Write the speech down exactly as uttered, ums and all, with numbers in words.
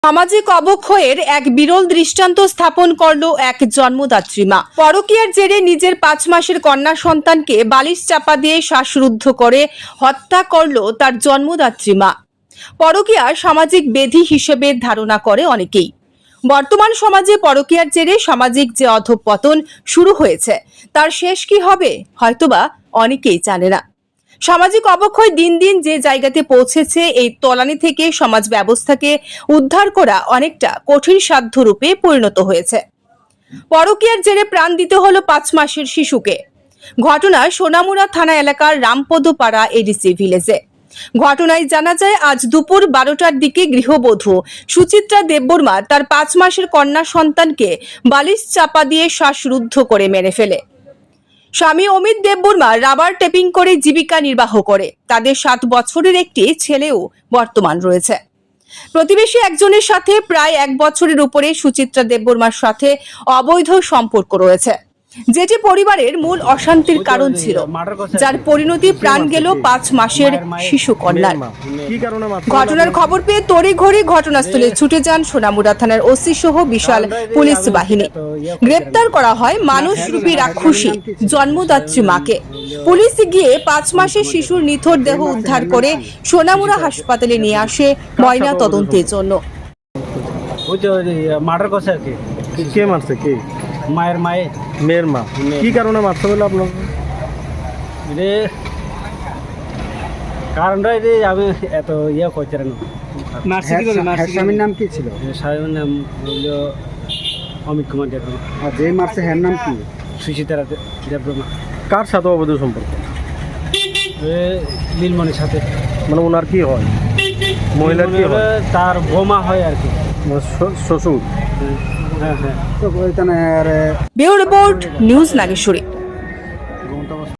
সামাজিক অবক্ষয়ের এক বিরল দৃষ্টান্ত স্থাপন করল এক জন্মদাত্রী মা। পরকীয়ার জেরে নিজের পাঁচ মাসের কন্যা সন্তানকে বালিশ চাপা দিয়ে শ্বাসরুদ্ধ করে হত্যা করল তার জন্মদাত্রী মা। পরকীয়া সামাজিক ব্যাধি হিসেবে ধারণা করে অনেকেই। বর্তমান সমাজে পরকীয়ার জেরে সামাজিক যে অধঃপতন শুরু হয়েছে তার শেষ কি হবে হয়তোবা অনেকেই জানে না। সামাজিক অবক্ষয় দিন দিন যে জায়গাতে পৌঁছেছে, এই তলানি থেকে সমাজ ব্যবস্থাকে উদ্ধার করা অনেকটা কঠিন সাধ্য রূপে পরিণত হয়েছে। পরকীয়ার জেরে প্রাণ দিতে হলো পাঁচ মাসের শিশুকে। ঘটনা সোনামুড়া থানা এলাকার রামপদপাড়া এডিসি ভিলেজে। ঘটনায় জানা যায়, আজ দুপুর বারোটার দিকে গৃহবধূ সুচিত্রা দেববর্মা তার পাঁচ মাসের কন্যা সন্তানকে বালিশ চাপা দিয়ে শ্বাসরুদ্ধ করে মেরে ফেলে। স্বামী অমিত দেববর্মা রাবার টেপিং করে জীবিকা নির্বাহ করে। তাদের সাত বছরের একটি ছেলেও বর্তমান রয়েছে। প্রতিবেশী একজনের সাথে প্রায় এক বছরের উপরে সুচিত্রা দেববর্মার সাথে অবৈধ সম্পর্ক রয়েছে, যেটি পরিবারের মূল অশান্তির কারণ ছিল, যার পরিণতি প্রাণ গেল পাঁচ মাসের শিশু কন্যার। ঘটনার খবর পেয়ে তড়িঘড়ি ঘটনাস্থলে ছুটে যান সোনামুড়া থানার ওসি সহ বিশাল পুলিশ বাহিনী। গ্রেপ্তার করা হয় মানুষরূপী রাক্ষসী জন্মদাত্রী মাকে। পুলিশ গিয়ে পাঁচ মাসের শিশুর নিথর দেহ উদ্ধার করে সোনামুড়া হাসপাতালে নিয়ে আসে ময়না তদন্তের জন্য। কে মারছে? কে? মায়ের মায়ে মেয়ের মা। কি কারণে মারতে হলো আপনার? রে কারণটা যে আমি এত ইয়ে করছি না। স্বামীর নাম কি ছিল? স্বামীর নাম হলো অমিত কুমার দেববর্মা। আর যে মারছে হ্যার নাম কি? সুচিত্রা দেববর্মা। কার সাথে অবৈধ সম্পর্ক? নীলমণির সাথে। মানে ওনার কি হয়? মহিলার কি হয়? তার বোমা হয় আর কি, শ্বশুর। হ্যাঁ হ্যাঁ। তো ওইখানে ব্যুরো রিপোর্ট, নিউজ নাগেশ্বরী।